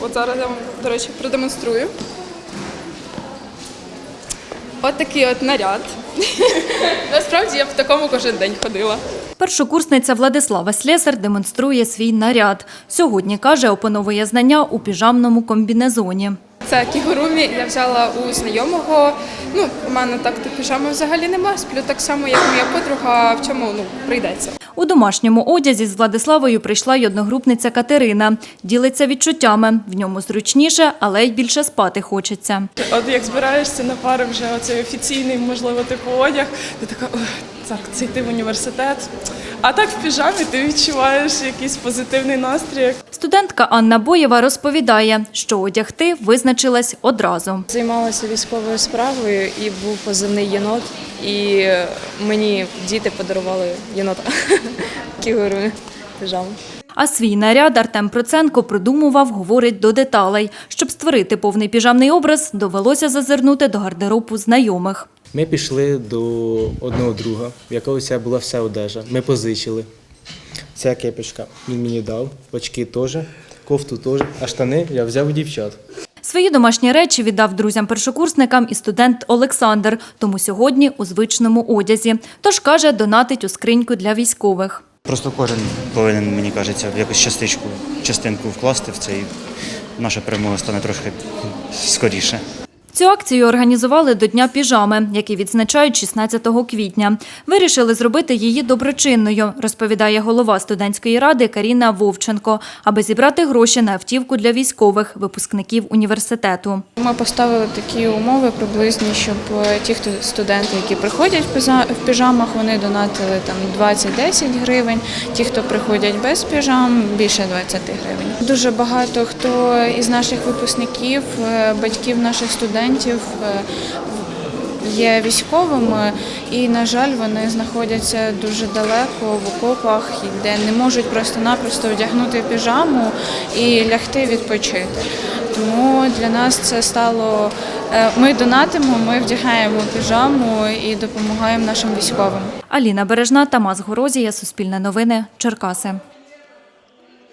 От зараз я вам, до речі, продемонструю. От такий от наряд. Насправді я в такому кожен день ходила. Першокурсниця Владислава Слесар демонструє свій наряд. Сьогодні, каже, опановує знання у піжамному комбінезоні. Це кігурумі я взяла у знайомого. У мене так-то піжами взагалі нема. Сплю так само, як моя подруга, в чому прийдеться. У домашньому одязі з Владиславою прийшла й одногрупниця Катерина. Ділиться відчуттями. В ньому зручніше, але й більше спати хочеться. От як збираєшся на пари вже оцей офіційний, можливо, типу одяг, ти така, так, це йти в університет. А так в піжамі ти відчуваєш якийсь позитивний настрій. Студентка Анна Боєва розповідає, що одягти визначилась одразу. Займалася військовою справою і був позивний єнот, і мені діти подарували єнота, кігуру, піжаму. А свій наряд Артем Проценко продумував, говорить, до деталей. Щоб створити повний піжамний образ, довелося зазирнути до гардеробу знайомих. Ми пішли до одного друга, в якого вся була вся одежа. Ми позичили. Ця кепочка він мені дав, очки теж, кофту теж, а штани я взяв у дівчат. Свої домашні речі віддав друзям-першокурсникам і студент Олександр, тому сьогодні у звичному одязі. Тож, каже, донатить у скриньку для військових. Просто кожен повинен, мені кажеться, в якусь частинку вкласти в це, і наша перемога стане трошки скоріше. Цю акцію організували до Дня піжами, який відзначають 16 квітня. Вирішили зробити її доброчинною, розповідає голова студентської ради Каріна Вовченко, аби зібрати гроші на автівку для військових, випускників університету. Ми поставили такі умови приблизні, щоб ті студенти, які приходять в піжамах, вони донатили 20-10 гривень. Ті, хто приходять без піжам, більше 20 гривень. Дуже багато хто із наших випускників, батьків наших студентів є військовими і, на жаль, вони знаходяться дуже далеко в окопах, де не можуть просто-напросто одягнути піжаму і лягти відпочити. Тому для нас це стало, ми донатимо, ми вдягаємо піжаму і допомагаємо нашим військовим. Аліна Бережна, Тамас Горозія, Суспільне новини, Черкаси.